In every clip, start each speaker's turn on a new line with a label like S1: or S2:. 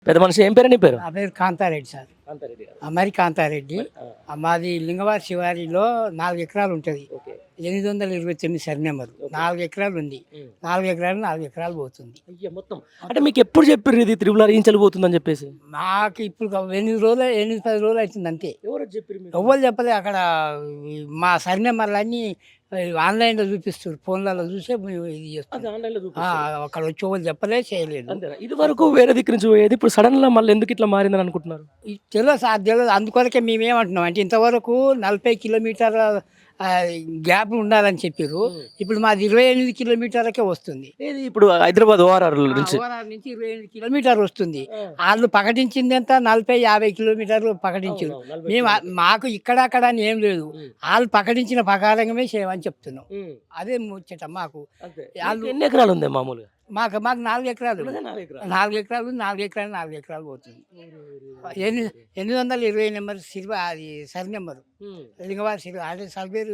S1: పెద్ద మనిషి ఏం పేరు నీ పేరు?
S2: నా పేరు కాంతారెడ్డి సార్.
S1: కాంతారెడ్డి గారు.
S2: అమరి కాంతారెడ్డి.
S1: ఆ,
S2: మాది లింగవారి శివారిలో 4 ఎకరాలు ఉంటుంది.
S1: ఓకే.
S2: 829 సరి నెంబరు. 4 ఎకరాలు ఉంది. 4 ఎకరాలు పోతుంది.
S1: అయ్యా మొత్తం అంటే మీకు ఎప్పుడు చెప్పారు ఇది త్రిబుల్ ఇంచలు పోతుందని చెప్పేసి?
S2: మాకు ఇప్పుడు 8-10 రోజులు అవుతుంది అంతే.
S1: ఎవరు చెప్పారు?
S2: ఎవ్వరు చెప్పలే. అక్కడ మా సరి నెంబర్లు అన్నీ ఆన్లైన్లో చూపిస్తారు. ఫోన్లలో చూసే మేము ఇది చేస్తాం. అక్కడ వచ్చి ఎవరు చెప్పలే, చేయలేదు.
S1: ఇది వరకు వేరే దిక్కు నుంచి పోయేది, ఇప్పుడు సడన్ గా మళ్ళీ ఎందుకు ఇట్లా మారిందని అనుకుంటున్నారు?
S2: తెలియదు సార్, తెలియదు. అందుకొరకే మేమేమంటున్నాం అంటే ఇంతవరకు 40 కిలోమీటర్ల గ్యాప్ ఉండాలని చెప్పారు. ఇప్పుడు మాది 28 కిలోమీటర్లకే వస్తుంది.
S1: ఇది ఇప్పుడు హైదరాబాద్ ఓఆర్ఆర్ నుంచి
S2: ఓఆర్ఆర్ నుంచి 28 కిలోమీటర్లు వస్తుంది. వాళ్ళు ప్రకటించింది ఎంత 40-50 కిలోమీటర్లు ప్రకటించారు. మేము మాకు ఇక్కడ అని ఏం లేదు. వాళ్ళు ప్రకటించిన ప్రకారంగా చేయమని చెప్తున్నాం. అదే ముచ్చట మాకు.
S1: ఎన్ని ఎకరాలు ఉంది మామూలుగా?
S2: మాకు 4 ఎకరాలు. 4 ఎకరాలు 4 ఎకరాలు పోతుంది. 820 నెంబర్ అది సరి నెంబరు. లింగవారి సిరి అంటే సర్వేరు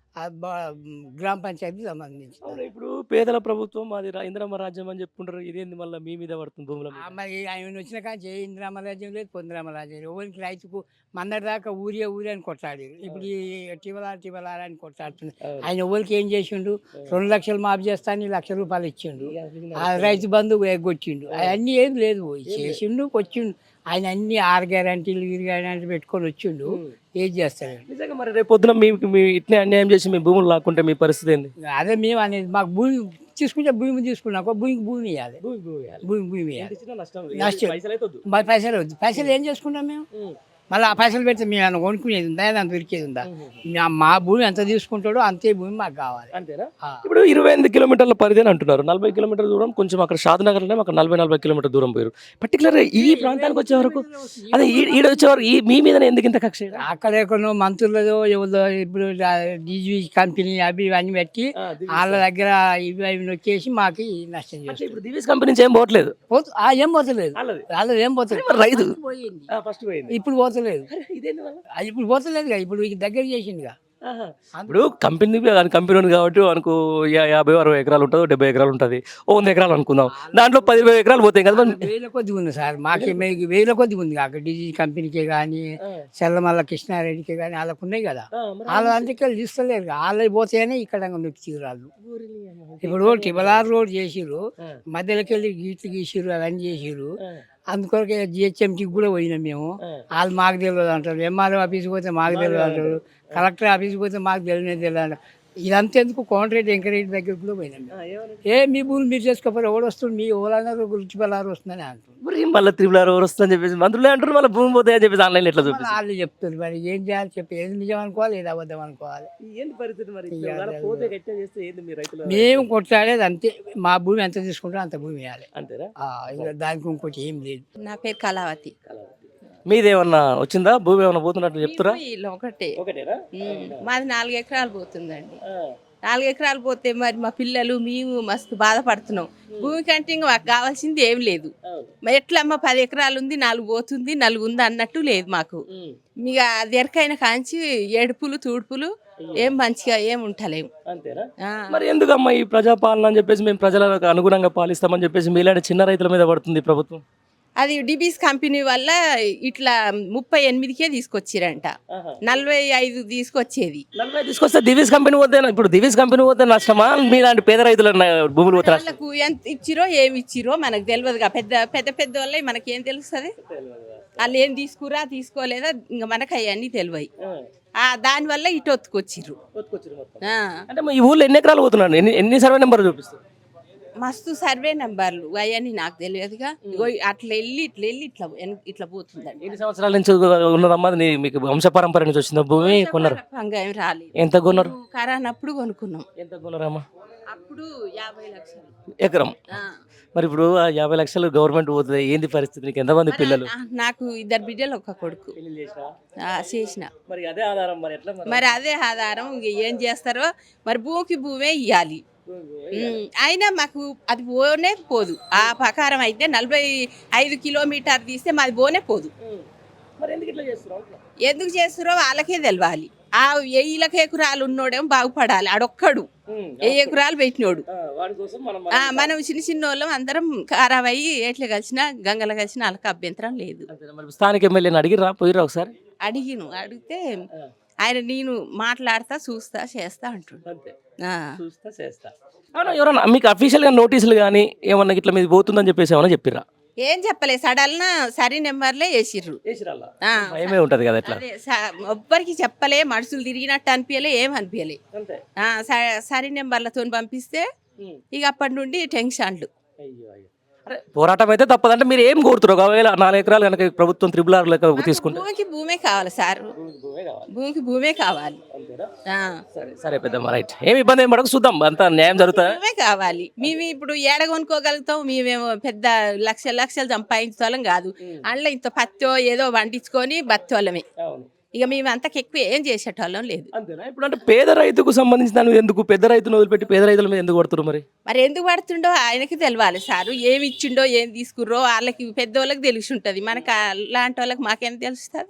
S2: గ్రామ పంచాయతీ సంబంధించి.
S1: ఇప్పుడు పేదల ప్రభుత్వం అది ఇందిరమ్మ రాజ్యం అని చెప్పుకుంటారు. ఇదేంది మళ్ళీ మీ మీద పడుతుంది భూముల మీద?
S2: మరి ఆయన వచ్చిన కానీ ఇందిరమ్మ రాజ్యం లేదు, పొందిరమ్మ రాజ్యం లేదు. ఎవరికి రైతుకు మొన్నటి దాకా ఊరే అని కొట్లాడారు. ఇప్పుడు టివలార్ అని కొట్లాడుతుంది. ఆయన ఎవరికి ఏం చేసిండు? 2 లక్షలు మాఫీ చేస్తాను, 1 లక్ష రూపాయలు ఇచ్చిండు. ఆ రైతు బంధు ఎగ్గొచ్చిండు. అవన్నీ ఏం లేదు, చేసిండు వచ్చిండు. ఆయన అన్ని 6 గ్యారంటీలు 7 గ్యారంటీలు పెట్టుకొని వచ్చిండు. ఏం చేస్తాడు
S1: నిజంగా? మరి రేపు పొద్దున మీ ఇట్నే అన్యాయం చేసి మీ భూములు లాక్కుంటే మీ పరిస్థితి ఏంది?
S2: అదే మేము అనేది. మాకు భూమి తీసుకుంటే భూమి తీసుకున్నాక భూమి ఇవ్వాలి. భూమి ఇవ్వాలి. నష్టం. మరి పైసలు వద్దు. పైసలు ఏం చేసుకుంటాం మేము? మళ్ళీ ఆ పైసలు పెడితే మేము ఏమైనా కొనుక్కునేది ఉందా, ఏదైనా దొరికేది ఉందా? మా భూమి ఎంత తీసుకుంటాడో అంతే భూమి మాకు కావాలి.
S1: అంతేనా? ఇప్పుడు 28 కిలోమీటర్ల పరిధి అని అంటున్నారు. 40 కిలోమీటర్ల దూరం కొంచెం అక్కడ షాద్నగర్ అక్కడ 40 కిలోమీటర్ల దూరం పోయారు. పర్టికులర్ ఈ ప్రాంతానికి వచ్చే వరకు అదే ఈడ వచ్చే వరకు మీ మీద ఎందుకు ఇంత కక్ష?
S2: అక్కడ ఎక్కడో మంత్రులదో ఎవరో ఇప్పుడు డీజీ కంపెనీ అవి ఇవన్నీ పెట్టి వాళ్ళ దగ్గర ఇవి నొక్కేసి మాకు నష్టం చేస్తారు.
S1: ఇప్పుడు దివీస్ కంపెనీ నుంచి ఏం పోవట్లేదు.
S2: ఏం పోతలేదు. వాళ్ళది ఏం పోతలేదు.
S1: రైతు
S2: పోయింది. ఇప్పుడు పోతలేదు. ఇప్పుడు పోతలేదు. ఇప్పుడు దగ్గర చేసిందిగా.
S1: ఇప్పుడు కంపెనీ ఉంది కాబట్టి మనకు 50-60 ఎకరాలు ఉంటుంది, 70 ఎకరాలు ఉంటుంది, 100 ఎకరాలు అనుకుందాం. దాంట్లో 10-20 ఎకరాలు పోతాయి కదా.
S2: 1000 కొద్ది ఉంది సార్. మాకే 1000 కొద్ది ఉంది. అక్కడ డీజీ కంపెనీకే కానీ చెల్లమల్ల కృష్ణారెడ్డికి కానీ వాళ్ళకు ఉన్నాయి కదా. వాళ్ళ అందుకే తీస్తలేరు. వాళ్ళకి పోతేనే ఇక్కడ నొక్కి రాళ్ళు. ఇప్పుడు టిబలార్ రోడ్ చేసిరు, మధ్యలోకి వెళ్ళి గీసిరు, అవన్నీ చేసిరు. అందుకొరకే జిహెచ్ఎంసీకి కూడా పోయినాం మేము. వాళ్ళు మాకు తెలియదు అంటారు. ఎంఆర్ఓ ఆఫీస్కి పోతే మాకు తెలియదు అంటారు. కలెక్టర్ ఆఫీస్కి పోతే మాకు తెలియదు అంటారు. ఇదంతా ఎందుకు కోమటిరెడ్డి వెంకరెడ్డి దగ్గర కూడా పోయినాం. మీ భూములు మీరు చేసుకోకపోతే ఎవడు వస్తుంది? మీ ఓలన్నారు గురించి బలారు వస్తుందని అంటారు.
S1: మళ్ళీ త్రిబుల్ వస్తుందని చెప్పేసి మంత్రులే అంటారు. మళ్ళీ భూమి పోతాయని చెప్పేసి ఆన్లైన్ ఎట్లా చూపిస్తారు?
S2: వాళ్ళు చెప్తారు. మరి ఏం చేయాలి చెప్పి, ఏది నిజం అనుకోవాలి, ఏది అబద్ధం అనుకోవాలి. మేము కొట్లాడేది అంతే. మా భూమి ఎంత తీసుకుంటారో అంత భూమి ఇవ్వాలి. అంతేనా? దానికి ఇంకోటి ఏం లేదు.
S3: నా పేరు కళావతి.
S1: మీదేమన్నా వచ్చిందా? భూమి ఏమన్నా పోతున్నట్టు చెప్తారా?
S3: ఒకటేనా? మాది 4 ఎకరాలు పోతుందండి. 4 ఎకరాలు పోతే మరి మా పిల్లలు మేము మస్తు బాధపడుతున్నాం. భూమి కంటే ఇంకా మాకు కావాల్సింది ఏం లేదు. ఎట్లమ్మా 10 ఎకరాలు ఉంది, 4 పోతుంది, 4 ఉంది అన్నట్టు లేదు మాకు. ఇక అది ఎరకైన కాంచి ఏడుపులు తూడుపులు ఏం మంచిగా ఏం ఉంటలేము.
S1: మరి ఎందుకమ్మా ఈ ప్రజాపాలన అని చెప్పేసి మేము ప్రజలకు అనుగుణంగా పాలిస్తామని చెప్పేసి మీలాంటి చిన్న రైతుల మీద పడుతుంది ప్రభుత్వం?
S3: అది డిబీస్ కంపెనీ వల్ల ఇట్లా 38కే తీసుకొచ్చిరంట. 45 తీసుకొచ్చేది.
S1: 40 తీసుకొస్తే దివీస్ కంపెనీ పోతే, ఇప్పుడు దివీస్ కంపెనీ పోతే నష్టమా? మీలాంటి పేద రైతుల భూములు పోతే
S3: వాళ్ళకు ఎంత ఇచ్చిరో ఏమి ఇచ్చిరో మనకు తెలియదుగా. పెద్ద వాళ్ళే మనకేం తెలుస్తుంది? వాళ్ళు ఏం తీసుకురా తీసుకోలేదా ఇంకా మనకు అవన్నీ తెలివయి. దానివల్ల ఇటు ఒత్తుకొచ్చిర్రు.
S1: అంటే ఈ ఊళ్ళో ఎన్ని ఎకరాలు పోతున్నాడు? ఎన్ని సర్వే నెంబర్ చూపిస్తారు?
S3: మస్తు సర్వే నెంబర్లు అవన్నీ నాకు తెలియదుగా. అట్లా వెళ్ళి ఇట్లా పోతుందండి.
S1: ఎన్ని సంవత్సరాల నుంచి ఉన్నదమ్మా? మీకు వంశపరంపర నుంచి వచ్చిందా భూమి? కొన్నారు?
S3: ఏం రాలేదు.
S1: ఎంత కొన్నారు?
S3: కరానప్పుడు కొనుక్కున్నాం.
S1: ఎంత కొన్నారమ్మా?
S3: అప్పుడు 50 లక్షలు
S1: ఎకరం. మరి ఇప్పుడు 50 లక్షలు గవర్నమెంట్ పోతుంది, ఏంది పరిస్థితి? నీకు ఎంతమంది పిల్లలు?
S3: నాకు 2 బిడ్డలు, ఒక కొడుకు. చేసిన. మరి అదే ఆధారం. ఏం చేస్తారో మరి. భూమే ఇవ్వాలి. అయినా మాకు అది పోనే పోదు. ఆ ప్రకారం అయితే 45 కిలోమీటర్ తీస్తే మాది పోనే పోదు. ఎందుకు చేస్తారో వాళ్ళకే తెలవాలి. ఆ 1000 ఎకరాలు ఉన్నోడేమో బాగుపడాలి ఆడొక్కడు 1000 ఎకరాలు పెట్టినోడు
S1: వాడి కోసం మనం
S3: మనం చిన్న వాళ్ళం అందరం ఖరాబయ్యి ఎట్లా కలిసినా గంగలు కలిసినా వాళ్ళకి అభ్యంతరం లేదు.
S1: అంతేనా? మరి స్థానిక ఎమ్మెల్యేని అడిగిరా పోయిరా ఒకసారి?
S3: అడిగితే ఆయన నేను మాట్లాడతా చూస్తా చేస్తా అంటుండు.
S1: అంతే,
S3: ఆ.
S1: చూస్తా చేస్తా. అవునా, ఎవరన్నా మీకు అఫీషియల్గా నోటీసులు కానీ ఏమన్నా ఇట్లా మీద పోతుందని చెప్పేసి ఏమన్నా చెప్పిర్రా?
S3: ఏం చెప్పలే సడల్న సరి నెంబర్లే వేసిర్రు. ఆ,
S1: భయమే ఉంటది కదా ఎట్లా.
S3: అదే ఎవ్వరికి చెప్పలే, మనుషులు తిరిగినట్టు అనిపించలే, ఏం అనిపించలే.
S1: అంతే.
S3: సరి నెంబర్లతో పంపిస్తే ఇక అప్పటి నుండి టెన్షన్లు.
S1: అరే పోరాటం అయితే తప్పదంటే మీరు ఏం కోరుతారు? ఒకవేళ 4 ఎకరాలు కనుక ప్రభుత్వం RRR లెక్క తీసుకుంటే
S3: భూమికి భూమే కావాలి సార్, భూమికి భూమే కావాలి. ఆ,
S1: సరే పెద్దమ్మ, రైట్. ఏమి ఇబ్బంది ఏం పడక చూద్దాం, అంతా న్యాయం జరుగుతా.
S3: భూమే కావాలి. మేము ఇప్పుడు ఏడ కొనుక్కోగలుగుతాం? మేమేమో పెద్ద లక్షలు సంపాదించోళ్ళం కాదు. అందులో ఇంత పత్తో ఏదో వండించుకొని బత్తోళ్ళమే. ఇక మేము అంతకు ఎక్కువ ఏం చేసేటోళ్ళం లేదు.
S1: అంతేనా? ఇప్పుడు అంటే పేద రైతుకు సంబంధించిన దాని మీద ఎందుకు పెద్ద రైతును వదిలిపెట్టి పేద రైతుల మీద ఎందుకు పడుతున్నారు మరి?
S3: మరి ఎందుకు పడుతుండో ఆయనకి తెలవాలి సారు. ఏమి ఇచ్చిండో ఏం తీసుకుర్రో వాళ్ళకి పెద్దోళ్ళకి తెలిసి ఉంటుంది. మనకు అలాంటి వాళ్ళకి మాకేం తెలుస్తుంది?